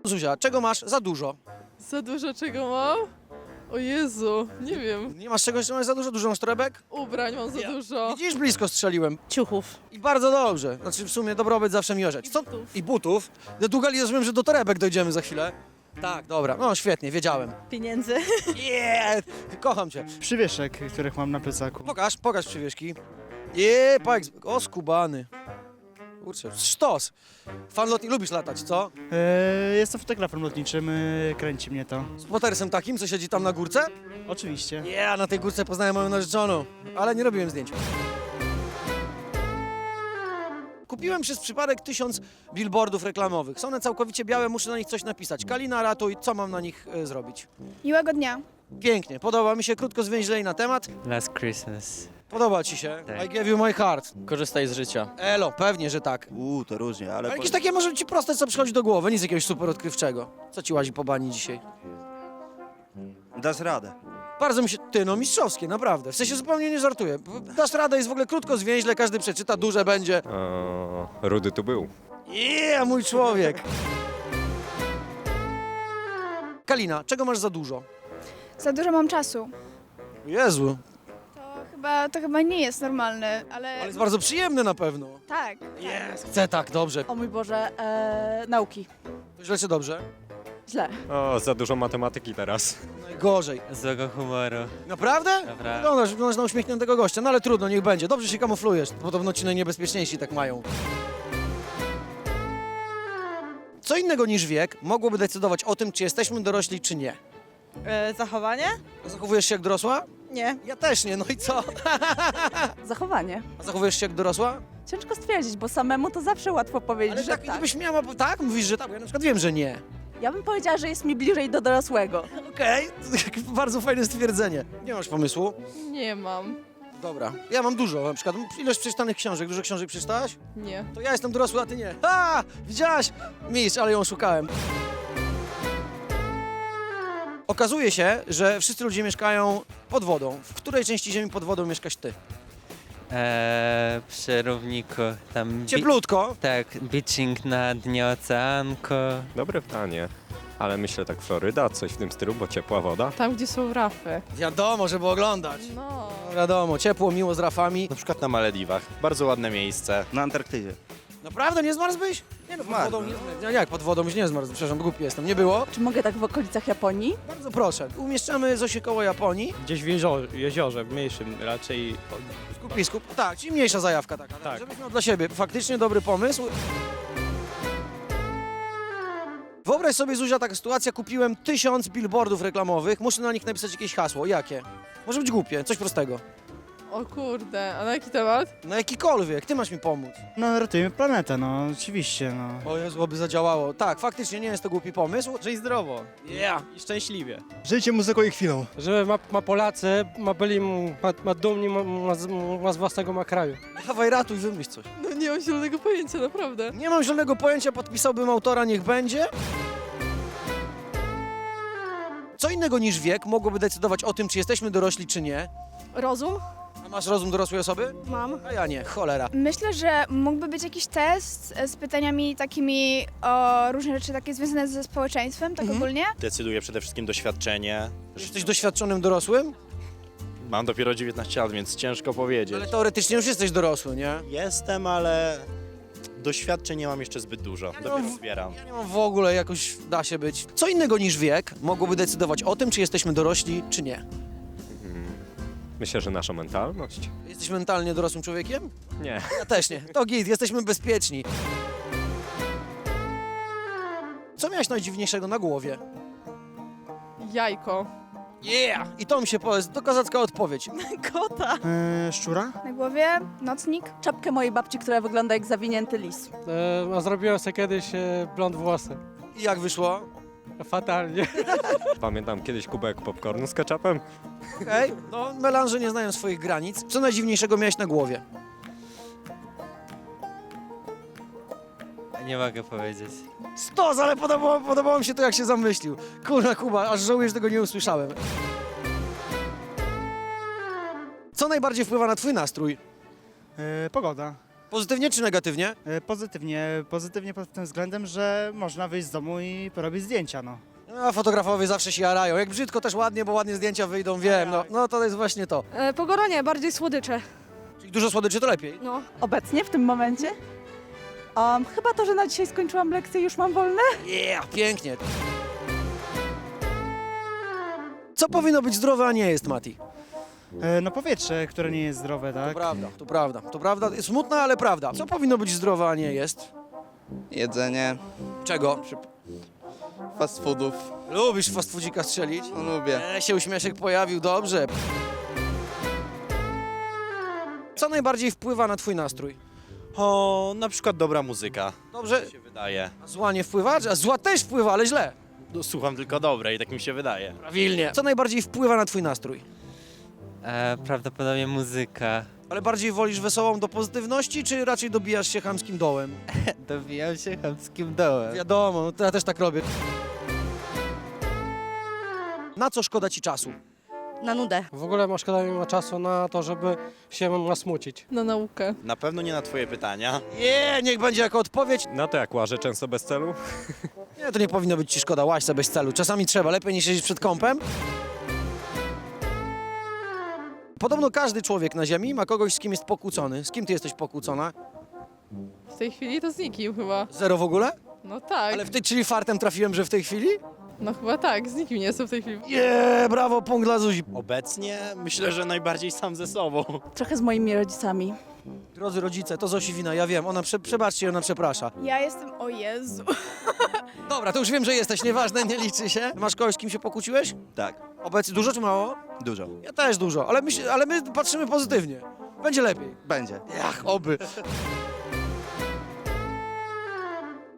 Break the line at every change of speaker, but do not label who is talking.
Zuzia, czego masz za dużo?
Za dużo czego mam? O Jezu, nie wiem.
Nie masz czegoś, co masz za dużo? Dużo masz torebek?
Ubrań mam za dużo.
Widzisz, blisko strzeliłem.
Ciuchów.
I bardzo dobrze. Znaczy w sumie dobrobyt zawsze mi orzeć. Co?
butów.
I butów. No długali, rozumiem, że do torebek dojdziemy za chwilę. Tak, dobra. No świetnie, wiedziałem.
Pieniędzy.
Yeah! Kocham cię.
Przywieszek, których mam na plecaku.
Pokaż przywieszki. Pajek. O, skubany. Kurczę, sztos. Fan lotni, lubisz latać, co?
Jestem fotografem lotniczym, kręci mnie to.
Z potersem takim, co siedzi tam na górce?
Oczywiście.
Na tej górce poznałem moją narzeczoną, ale nie robiłem zdjęć. Kupiłem przez przypadek 1000 billboardów reklamowych. Są one całkowicie białe, muszę na nich coś napisać. Kalina, ratuj, co mam na nich zrobić?
Miłego dnia.
Pięknie, podoba mi się, krótko zwięźlej na temat.
Last Christmas.
Podoba ci się?
Tak.
I gave you my heart.
Korzystaj z życia.
Elo, pewnie, że tak.
To różnie, ale...
Ale jakieś takie może ci proste, co przychodzi do głowy, nic jakiegoś super odkrywczego. Co ci łazi po bani dzisiaj?
Dasz radę.
Bardzo mi się... no mistrzowskie, naprawdę. W sensie zupełnie nie żartuję. Dasz radę, jest w ogóle krótko, zwięźle, każdy przeczyta, duże będzie.
Rudy tu był.
Mój człowiek. Kalina, czego masz za dużo?
Za dużo mam czasu.
Jezu,
To chyba nie jest normalne, ale
ale jest bardzo przyjemne na pewno.
tak.
Chcę tak, dobrze.
O mój Boże, nauki.
Źle czy dobrze?
Źle.
O, za dużo matematyki teraz.
Najgorzej.
Złego humoru.
Naprawdę?
Dobra.
Wyglądasz na uśmiechniętego gościa, no ale trudno, niech będzie. Dobrze się kamuflujesz, podobno ci najniebezpieczniejsi tak mają. Co innego niż wiek mogłoby decydować o tym, czy jesteśmy dorośli, czy nie?
Zachowanie?
Zachowujesz się jak dorosła?
Nie.
Ja też nie, no i co?
Zachowanie.
A zachowujesz się jak dorosła?
Ciężko stwierdzić, bo samemu to zawsze łatwo powiedzieć,
Ale
że
tak, gdybyś miała, tak? Mówisz, że tak, bo ja na przykład wiem, że nie.
Ja bym powiedziała, że jest mi bliżej do dorosłego.
Okej, bardzo fajne stwierdzenie. Nie masz pomysłu?
Nie mam.
Dobra, ja mam dużo, na przykład ilość przeczytanych książek. Dużo książek przeczytałaś?
Nie.
To ja jestem dorosły, a ty nie. Widziałaś? Mistrz, ale ją szukałem. Okazuje się, że wszyscy ludzie mieszkają pod wodą. W której części ziemi pod wodą mieszkasz ty?
Przy równiku. Tam
Cieplutko.
tak, beaching na dnie oceanku.
Dobre pytanie. Ale myślę tak Floryda, coś w tym stylu, bo ciepła woda.
Tam, gdzie są rafy.
Wiadomo, żeby oglądać.
No.
No wiadomo, ciepło, miło z rafami.
Na przykład na Malediwach. Bardzo ładne miejsce.
Na Antarktydzie.
Naprawdę nie zmarzłbyś? Nie no, pod
Zmarzłem.
wodą nie. Jak pod wodą byś nie zmarzł? Przepraszam, głupi jestem. Nie było?
Czy mogę tak w okolicach Japonii?
Bardzo proszę. Umieszczamy Zosię koło Japonii.
Gdzieś w jeziorze, w mniejszym raczej.
W kupisku. Tak, czyli mniejsza zajawka taka.
Tak.
Żebyś miał dla siebie. Faktycznie dobry pomysł. Wyobraź sobie, Zuzia, taka sytuacja. Kupiłem 1000 billboardów reklamowych. Muszę na nich napisać jakieś hasło. Jakie? Może być głupie, coś prostego.
O kurde, a na jaki temat?
No jakikolwiek, ty masz mi pomóc.
No, ratujemy planetę, no, oczywiście, no.
O Jezu, by zadziałało. Tak, faktycznie nie jest to głupi pomysł.
Żyj zdrowo
Yeah.
i szczęśliwie.
Życie muzyką i chwilą.
Że ma Polacy, ma dumni, ma z własnego ma kraju.
Dawaj, ratuj, wymyśl coś.
No nie mam zielonego pojęcia, naprawdę.
Nie mam żadnego pojęcia, podpisałbym autora, niech będzie. Co innego niż wiek mogłoby decydować o tym, czy jesteśmy dorośli, czy nie?
Rozum?
A masz rozum dorosłej osoby?
Mam.
A ja nie, cholera.
Myślę, że mógłby być jakiś test z pytaniami takimi o różne rzeczy takie związane ze społeczeństwem, tak ogólnie.
Decyduje przede wszystkim doświadczenie.
Jesteś doświadczonym dorosłym?
Mam dopiero 19 lat, więc ciężko powiedzieć.
Ale teoretycznie już jesteś dorosły, nie?
Jestem, ale doświadczeń nie mam jeszcze zbyt dużo. Dopiero zbieram.
Ja nie mam w ogóle, jakoś da się być. Co innego niż wiek mogłoby decydować o tym, czy jesteśmy dorośli, czy nie?
Myślę, że nasza mentalność.
Jesteś mentalnie dorosłym człowiekiem?
Nie.
Ja też nie. To git, jesteśmy bezpieczni. Co miałeś najdziwniejszego na głowie?
Jajko.
Yeah! I to mi się powiedz, to kozacka odpowiedź.
Kota.
Szczura?
Na głowie nocnik.
Czapkę mojej babci, która wygląda jak zawinięty lis.
A zrobiłem sobie kiedyś blond włosy.
I jak wyszło?
Fatalnie.
Pamiętam kiedyś kubek popcornu z ketchupem.
Okej, no melanże nie znają swoich granic. Co najdziwniejszego miałeś na głowie?
Nie mogę powiedzieć.
Stos, ale podobało mi się to, jak się zamyślił. Kurna Kuba, aż żałuję, że tego nie usłyszałem. Co najbardziej wpływa na twój nastrój?
Pogoda.
Pozytywnie czy negatywnie?
Pozytywnie pod tym względem, że można wyjść z domu i porobić zdjęcia, no.
A fotografowie zawsze się jarają. Jak brzydko też ładnie, bo ładnie zdjęcia wyjdą, wiem. No to jest właśnie to.
Pogoda nie, bardziej słodycze.
Czyli dużo słodyczy to lepiej.
No.
Obecnie, w tym momencie? Chyba to, że na dzisiaj skończyłam lekcję i już mam wolne.
Yeah, pięknie. Co powinno być zdrowe, a nie jest, Mati?
No powietrze, które nie jest zdrowe,
To
tak?
prawda, to prawda, to prawda. Smutna, ale prawda. Co powinno być zdrowe, a nie jest?
Jedzenie,
Czego?
fast foodów.
Lubisz fast foodzika strzelić?
Lubię.
Się uśmieszek pojawił, dobrze. Co najbardziej wpływa na twój nastrój?
O, na przykład dobra muzyka,
Dobrze,
się wydaje.
a zła nie wpływa? A zła też wpływa, ale źle.
No, słucham tylko dobrej, tak mi się wydaje.
Prawilnie. Co najbardziej wpływa na twój nastrój?
Prawdopodobnie muzyka.
Ale bardziej wolisz wesołą do pozytywności, czy raczej dobijasz się chamskim dołem?
Dobijam się chamskim dołem.
Wiadomo, no to ja też tak robię. Na co szkoda ci czasu?
Na nudę.
W ogóle szkoda mi ma czasu na to, żeby się nasmucić.
Na naukę.
Na pewno nie na twoje pytania.
Nie, niech będzie jako odpowiedź.
Na to jak łażę często bez celu?
Nie, to nie powinno być ci szkoda, łaź sobie bez celu. Czasami trzeba, lepiej niż siedzieć przed kąpem. Podobno każdy człowiek na ziemi ma kogoś, z kim jest pokłócony. Z kim ty jesteś pokłócona?
W tej chwili to z nikim chyba.
Zero w ogóle?
No tak.
Ale czyli fartem trafiłem, że w tej chwili?
No chyba tak, z nikim nie jestem w tej chwili.
Brawo, punkt dla Zuzi.
Obecnie myślę, że najbardziej sam ze sobą.
Trochę z moimi rodzicami.
Drodzy rodzice, to Zosi wina, ja wiem, przebaczcie, ona przeprasza.
Ja jestem, o Jezu.
Dobra, to już wiem, że jesteś, nieważne, nie liczy się. Masz kogoś, z kim się pokłóciłeś?
Tak,
Obecnie dużo czy mało?
dużo.
Ja też dużo, ale my patrzymy pozytywnie. Będzie lepiej.
Będzie.
Ach, oby.